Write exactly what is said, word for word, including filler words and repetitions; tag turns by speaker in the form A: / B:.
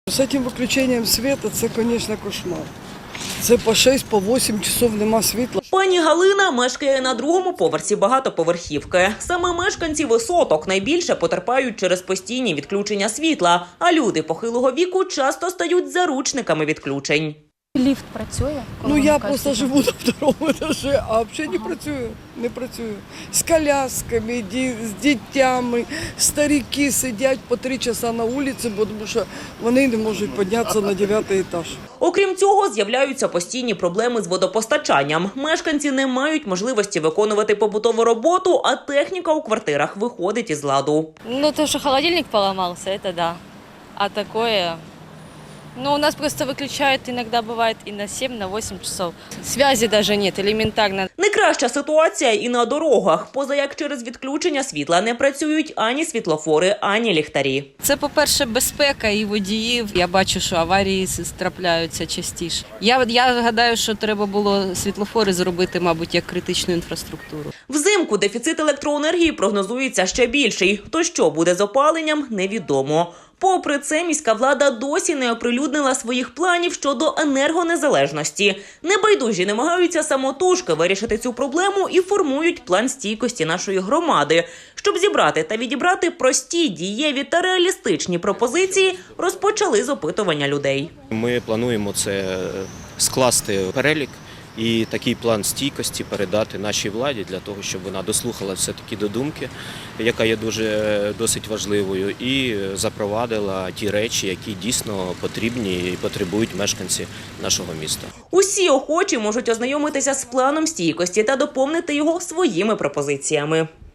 A: З цим виключенням світу це, звісно, кошмар. Це по шість, по вісім часов нема світла.
B: Пані Галина мешкає на другому поверсі багатоповерхівки. Саме мешканці висоток найбільше потерпають через постійні відключення світла, а люди похилого віку часто стають заручниками відключень.
C: Ліфт працює?
A: Ну, я просто живу на второму етажі, а взагалі не працюю, не працюю. З колясками, з дітьми, старики сидять по три часа на вулиці, тому що вони не можуть піднятися на дев'ятий етаж.
B: Окрім цього, з'являються постійні проблеми з водопостачанням. Мешканці не мають можливості виконувати побутову роботу, а техніка у квартирах виходить із ладу.
D: Ну, то, что холодильник поломался, это да. А такое... Ну, у нас просто выключают иногда бывает и на семь, на восемь часов. Связи даже нет, элементарно.
B: Не краща ситуація і на дорогах. Поза як через відключення світла не працюють ані світлофори, ані ліхтарі.
E: Це, по-перше, безпека і водіїв. Я бачу, що аварії трапляються частіше. Я, я гадаю, що треба було світлофори зробити, мабуть, як критичну інфраструктуру.
B: Взимку дефіцит електроенергії прогнозується ще більший. То що буде з опаленням – невідомо. Попри це, міська влада досі не оприлюднила своїх планів щодо енергонезалежності. Небайдужі намагаються самотужки вирішити цю проблему і формують план стійкості нашої громади. Щоб зібрати та відібрати прості, дієві та реалістичні пропозиції, розпочали з опитування людей.
F: Ми плануємо це скласти перелік і такий план стійкості передати нашій владі для того, щоб вона дослухала все-таки до думки, яка є дуже досить важливою, і запровадила ті речі, які дійсно потрібні і потребують мешканці нашого міста.
B: Усі охочі можуть ознайомитися з планом стійкості та доповнити його своїми пропозиціями.